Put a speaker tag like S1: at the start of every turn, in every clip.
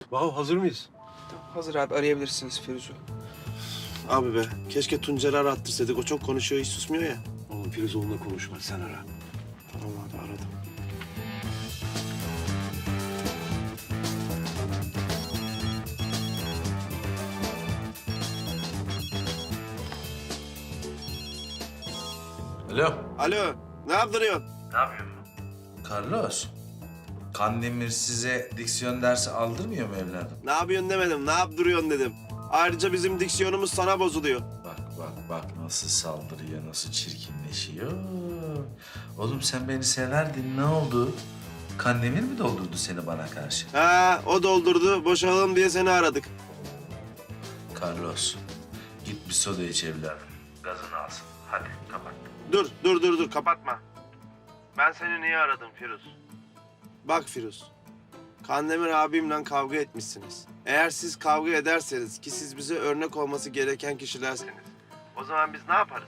S1: Vav, hazır mıyız?
S2: Tamam, hazır abi, arayabilirsiniz Firuz'u.
S3: Abi be, keşke Tuncer'i arattırsaydık. O çok konuşuyor, hiç susmuyor ya.
S1: Oğlum Firuz onunla konuşma, sen ara.
S3: Tamam abi, aradım.
S4: Alo.
S3: Alo, ne yaptırıyorsun?
S4: Carlos. Kandemir size diksiyon dersi aldırmıyor mu evladım?
S3: Ne yapıyorsun demedim, ne yaptırıyorsun dedim. Ayrıca bizim diksiyonumuz sana bozuluyor.
S4: Bak nasıl saldırıyor, nasıl çirkinleşiyor. Oğlum sen beni severdin, ne oldu? Kandemir mi doldurdu seni bana karşı?
S3: Ha, o doldurdu, boşalalım diye seni aradık.
S4: Carlos, git bir soda iç evladım. Gazını alsın. Hadi kapat.
S3: Dur, kapatma. Ben seni niye aradım Firuz? Bak Firuz, Kandemir abimle kavga etmişsiniz. Eğer siz kavga ederseniz ki siz bize örnek olması gereken kişilerseniz, o zaman biz ne yaparız?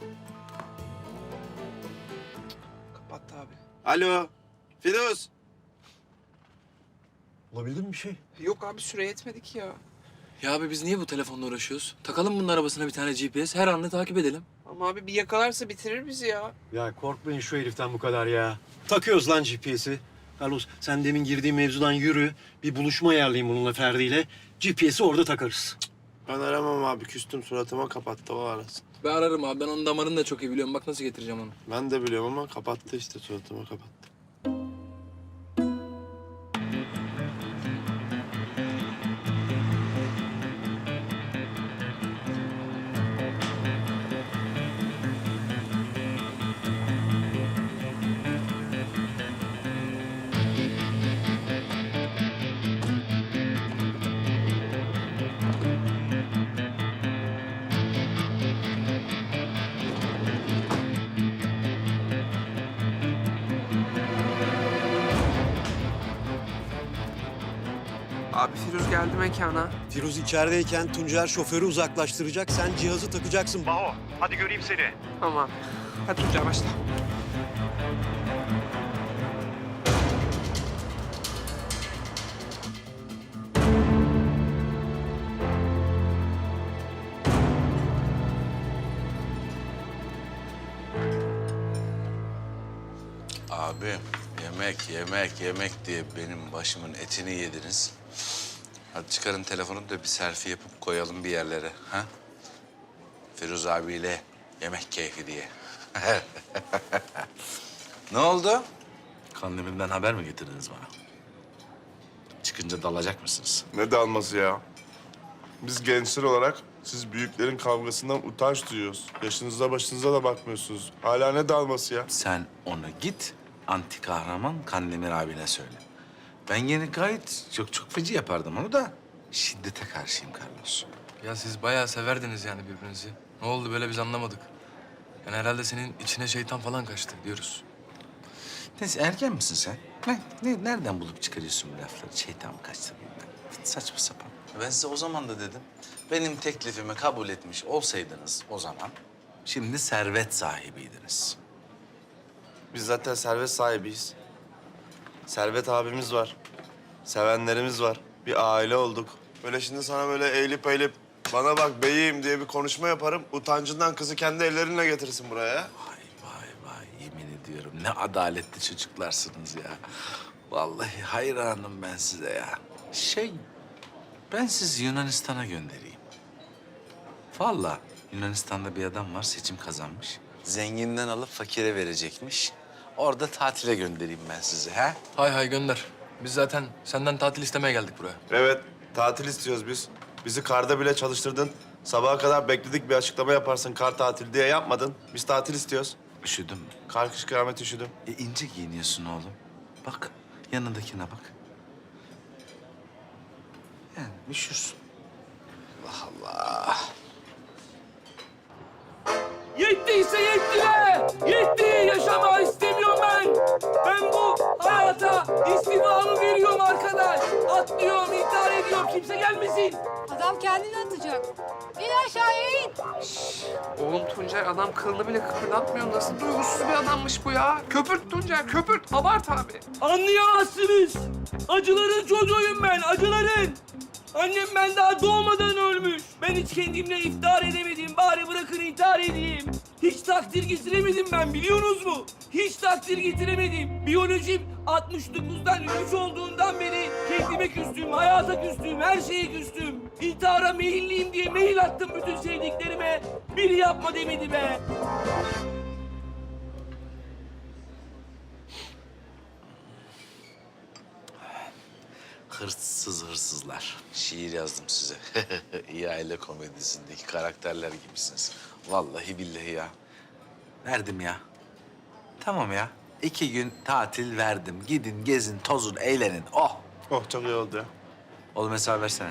S2: Kapattı abi.
S3: Alo, Firuz.
S1: Bulabildin mi bir şey?
S2: Yok abi, süre yetmedi ki ya.
S5: Ya abi biz niye bu telefonla uğraşıyoruz? Takalım bunun arabasına bir tane GPS, her anını takip edelim.
S2: Ama abi bir yakalarsa bitirir bizi ya.
S1: Ya korkmayın şu heriften bu kadar ya. Takıyoruz lan GPS'i. Carlos, sen demin girdiğin mevzudan yürü. Bir buluşma ayarlayayım bununla Ferdi'yle. GPS'i orada takarız.
S3: Ben aramam abi, küstüm, suratıma kapattı, o arasın.
S5: Ben ararım abi, ben onun damarını da çok iyi biliyorum. Bak nasıl getireceğim onu.
S3: Ben de biliyorum ama kapattı işte, suratıma kapattı.
S2: Abi Firuz geldi mekana.
S1: Firuz içerideyken Tuncer şoförü uzaklaştıracak. Sen cihazı takacaksın. Baho, hadi göreyim seni.
S2: Tamam. Hadi Tuncay başla.
S4: Abi yemek diye benim başımın etini yediniz. Hadi çıkarın telefonu da bir selfie yapıp koyalım bir yerlere. Ha? Firuz abiyle yemek keyfi diye. Ne oldu? Kandemir'den haber mi getirdiniz bana? Çıkınca dalacak mısınız?
S6: Ne dalması ya? Biz gençler olarak siz büyüklerin kavgasından utanç duyuyoruz. Yaşınıza başınıza da bakmıyorsunuz. Hala ne dalması ya?
S4: Sen onu git, anti kahraman Kandemir abine söyle. Ben yine gayet çok feci yapardım onu da şiddete karşıyım Carlos.
S5: Ya siz bayağı severdiniz yani birbirinizi. Ne oldu böyle biz anlamadık. Yani herhalde senin içine şeytan falan kaçtı diyoruz.
S4: Neyse erken misin sen? Nereden bulup çıkarıyorsun bu lafları? Şeytan mı kaçtı bilmem. Saçma sapan. Ben size o zaman da dedim. Benim teklifimi kabul etmiş olsaydınız o zaman şimdi servet sahibiydiniz.
S3: Biz zaten servet sahibiyiz. Servet abimiz var. Sevenlerimiz var. Bir aile olduk. Böyle şimdi sana böyle eğilip bana bak beyim diye bir konuşma yaparım. Utancından kızı kendi ellerinle getirsin buraya.
S4: Vay yemin ediyorum ne adaletli çocuklarsınız ya. Vallahi hayranım ben size ya. Ben sizi Yunanistan'a göndereyim. Vallahi Yunanistan'da bir adam var seçim kazanmış. Zenginden alıp fakire verecekmiş. Orada tatile göndereyim ben sizi ha?
S5: Hay gönder. Biz zaten senden tatil istemeye geldik buraya.
S3: Evet, tatil istiyoruz biz. Bizi karda bile çalıştırdın. Sabaha kadar bekledik, bir açıklama yaparsın kar tatili diye yapmadın. Biz tatil istiyoruz.
S4: Üşüdün mü?
S3: Kar kış kıyamet üşüdüm.
S4: İnce giyiniyorsun oğlum. Bak yanındakine bak. Yani üşürsün. Allah Allah.
S7: Yettiyse yetti be! Yetti! Yaşama istemiyorum ben! Ben bu hayata istifamı veriyorum arkadaş! Atlıyorum, intihar ediyorum, kimse gelmesin.
S8: Adam kendini atacak. İn aşağıya in.
S2: Oğlum Tuncay adam kılını bile kıpırdatmıyor. Nasıl duygusuz bir adammış bu ya? Köpürt Tuncay, köpürt. Abart abi.
S7: Anlayamazsınız. Acıların çocuğuyum ben, acıların. Annem ben daha doğmadan ölmüş. Ben hiç kendimle iftihar edemedim. Bari bırakın intihar edeyim. Hiç takdir getiremedim ben, biliyorsunuz mu? Hiç takdir getiremedim. Biyolojim 69'dan 3 olduğundan beri kendime küstüm, hayata küstüm, her şeye küstüm. İntihara meyilliyim diye mail attım bütün sevdiklerime. Biri yapma demedi be.
S4: Hırsızlar. Şiir yazdım size. İyi aile komedisindeki karakterler gibisiniz. Vallahi billahi ya. Verdim ya. Tamam ya. 2 gün tatil verdim. Gidin, gezin, tozun, eğlenin. Oh!
S3: Oh çok iyi oldu ya.
S4: Oğlum hesabı versene.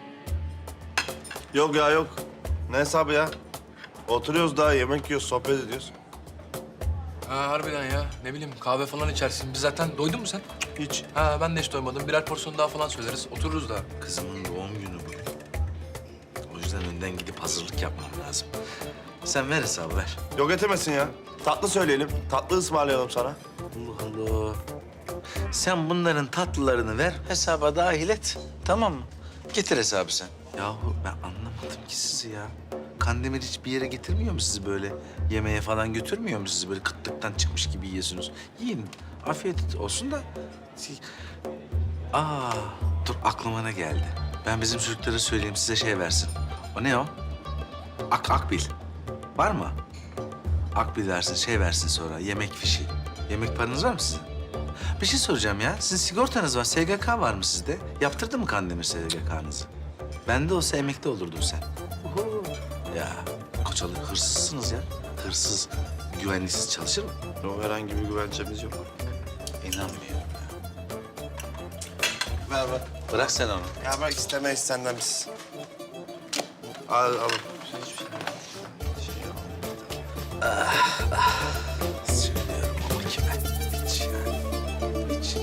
S3: Yok ya yok. Ne hesabı ya? Oturuyoruz daha yemek yiyoruz, sohbet ediyoruz.
S5: Ha harbiden ya. Ne bileyim kahve falan içersin. Biz zaten doydun mu sen?
S3: Hiç.
S5: Ha ben de hiç doymadım. Birer porsiyon daha falan söyleriz. Otururuz da.
S4: Kızımın doğum günü bugün. O yüzden önden gidip hazırlık yapmam lazım. Sen ver hesabı ver.
S3: Yok etemesin ya. Tatlı söyleyelim. Tatlı ısmarlayalım sana.
S4: Allah Allah. Sen bunların tatlılarını ver, hesaba dahil et. Tamam mı? Getir hesabı sen. Yahu ben anlamadım ki sizi ya. Kandemir hiçbir yere getirmiyor mu sizi böyle? Yemeğe falan götürmüyor mu sizi böyle kıtlıktan çıkmış gibi yiyorsunuz? Yiyin, afiyet olsun da... Dur aklıma ne geldi? Ben bizim çocuklara söyleyeyim size şey versin. O ne o? Akbil. Var mı? Akbil versin, şey versin sonra, yemek fişi. Yemek paranız var mı sizin? Bir şey soracağım ya. Sizin sigortanız var, SGK var mı sizde? Yaptırdı mı Kandemir SGK'nızı? Bende olsa emekli olurdun sen. Oho. Ya Koçalı hırsızsınız ya. Hırsız, güvenlisiz çalışır mı?
S3: Yok herhangi bir güvencemiz yok.
S4: İnanmıyorum ya.
S3: Ver ver.
S4: Bırak sen onu.
S3: Ya bak istemeyiz senden biz. Al al.
S4: Söylüyorum ama kime? Hiç yani. Hiç.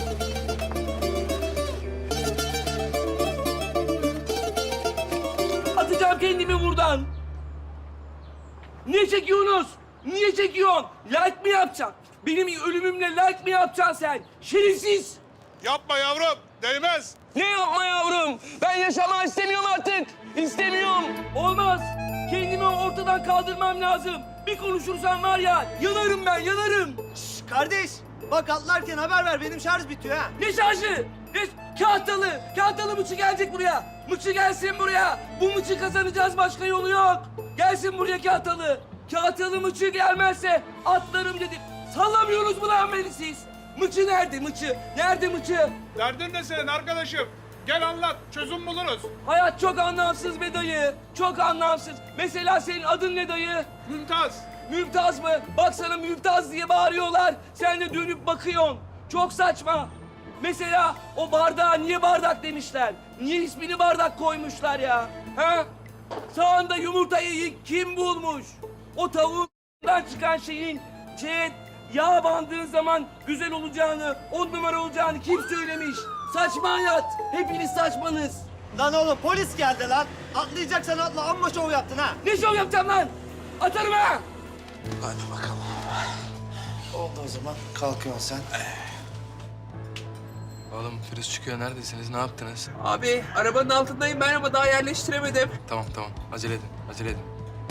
S7: Atacağım kendimi buradan. Niye çekiyorsunuz? Niye çekiyorsun? Like mi yapacaksın? Benim ölümümle like mi yapacaksın sen? Şerefsiz!
S6: Yapma yavrum, değmez.
S7: Ne yapma yavrum? Ben yaşamak istemiyorum artık. İstemiyorum. Olmaz. Kendimi ortadan kaldırmam lazım. Bir konuşursam var ya, yanarım ben, yanarım.
S9: Kardeş, bak atlarken haber ver. Benim şarj bitiyor ha.
S7: Ne şarjı? Ne? Kahtalı. Kahtalı mıçı gelecek buraya. Mıçı gelsin buraya. Bu mıçı kazanacağız, başka yolu yok. Gelsin buraya kahtalı. Kahtalı mıçı gelmezse atlarım dedim. Sallamıyorsunuz mu lan beni siz? Mıçı nerede mıçı? Nerede mıçı?
S6: Derdin ne senin arkadaşım? Gel anlat, çözüm buluruz.
S7: Hayat çok anlamsız be dayı. Çok anlamsız. Mesela senin adın ne dayı?
S6: Mümtaz.
S7: Mümtaz mı? Bak sana Mümtaz diye bağırıyorlar. Sen de dönüp bakıyorsun. Çok saçma. Mesela o bardağa niye bardak demişler? Niye ismini bardak koymuşlar ya? Ha? Sağında yumurtayı kim bulmuş? O tavuğundan çıkan şeyin yağ bandığın zaman güzel olacağını, 10 numara olacağını kim söylemiş? Saçma hayat. Hepiniz saçmanız.
S9: Lan oğlum polis geldi lan. Atlayacaksan atla. Amma şov yaptın ha.
S7: Ne şov yapacağım lan? Atarım ha!
S4: Hadi bakalım.
S3: Oldu o zaman. Kalkıyorsun sen.
S5: Oğlum Firuz çıkıyor. Neredesiniz? Ne yaptınız?
S2: Abi arabanın altındayım ben ama daha yerleştiremedim.
S5: Tamam tamam. Acele edin. Acele edin.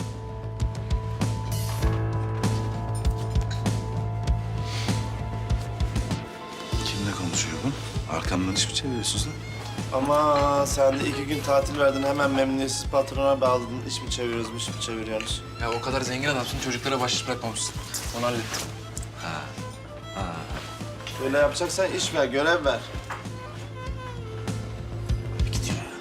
S4: Kimle konuşuyor bu? Arkamdan iş mi çeviriyorsunuz lan?
S3: Ama sen de 2 gün tatil verdin. Hemen memnuniyetsiz patrona bağladın. İş mi çeviriyoruz, iş mi çeviriyoruz?
S5: Ya o kadar zengin adamsın. Çocuklara bahşiş bırakmamışsın. Onu hallettim.
S3: Böyle yapacaksan iş ver, görev ver.
S4: Gidiyor ya.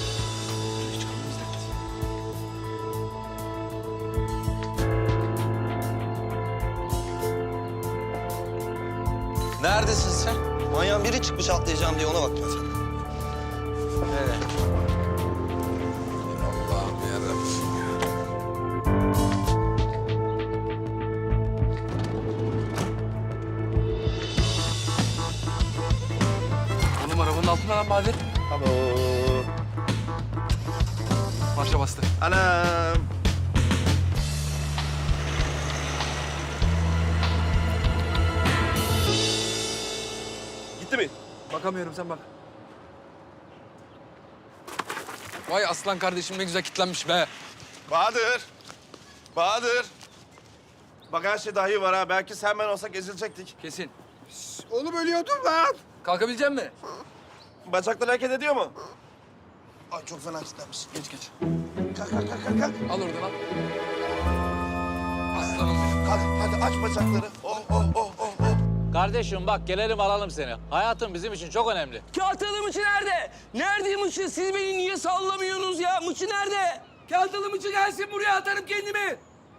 S4: Neredesin sen?
S9: Manyağın biri çıkmış atlayacağım diye ona baktım.
S4: Nereye? Allah'ım yarabbim ya.
S5: Oğlum arabanın altında lan Bahadır.
S3: Alo.
S5: marşa bastı.
S3: Anam. Gitti mi?
S5: Bakamıyorum, sen bak. Vay aslan kardeşim, ne güzel kitlenmiş be.
S3: Bahadır. Bahadır. Bak her şey dahi var ha. Belki sen ben olsak ezilecektik.
S5: Kesin.
S3: Oğlum ölüyordum lan.
S5: Kalkabilecek misin?
S3: Bacaklar hareket ediyor mu? Ay çok fena kilitlenmiş. Geç geç. Kalk kalk kalk kalk. kalk.
S5: Al oradan al. Aslanım benim.
S3: Kalk hadi aç bacakları. Oh oh oh oh oh.
S10: Kardeşim bak gelelim alalım seni. Hayatın bizim için çok önemli.
S7: Kağıtalı mıçı nerede? Nerede mıçı? Siz beni niye sallamıyorsunuz ya? Mıçı nerede? Kağıtalı mıçı gelsin buraya, atarım kendimi.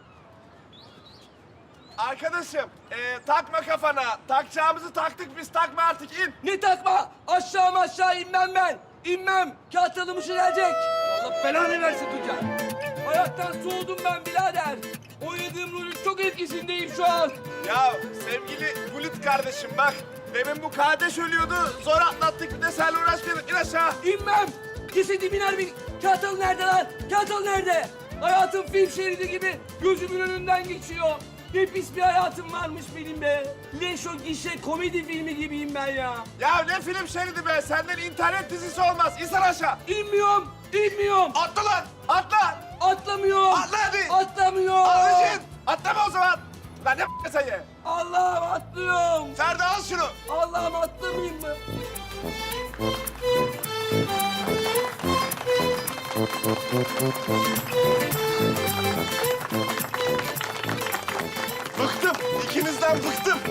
S3: Arkadaşım takma kafana. Takacağımızı taktık biz, takma artık in.
S7: Ne takma? Aşağı inmem ben. İnmem. Kağıtalı mıçı gelecek. Allah belanı versin Tuncer. Hayattan soğudum ben birader. Oynadığım rolün çok etkisindeyim şu an.
S3: Ya sevgili Bulut kardeşim bak. Demin bu kardeş ölüyordu. Zor atlattık, bir de seninle uğraşmayalım. İn aşağı.
S7: İnmem. Cesedim iner bir. Kağıtalı nerede lan? Kağıtalı nerede? Hayatım film şeridi gibi gözümün önünden geçiyor. Ne pis bir hayatım varmış benim be. Leş o gişe komedi filmi gibiyim ben ya.
S3: Ya ne film şeridi be. Senden internet dizisi olmaz. İnsan aşağı.
S7: İnmiyorum.
S3: Atla lan. Atla.
S7: Atlamıyorum.
S3: Atla hadi.
S7: Atlamıyorum.
S3: Ablacığım. Atlama o zaman. Lan ne sayı.
S7: Allah'ım atlıyorum.
S3: Ferdi al şunu.
S7: Allah'ım atlamayayım mı?
S3: Bıktım. İkinizden bıktım.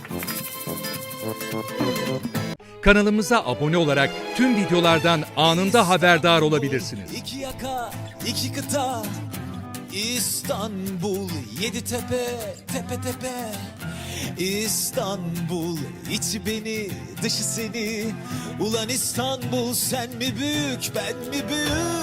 S11: Kanalımıza abone olarak tüm videolardan anında haberdar olabilirsiniz.
S12: İki yaka, iki kıta, İstanbul, yedi tepe, tepe tepe. İstanbul, içi beni, dışı seni. Ulan İstanbul, sen mi büyük, ben mi büyük?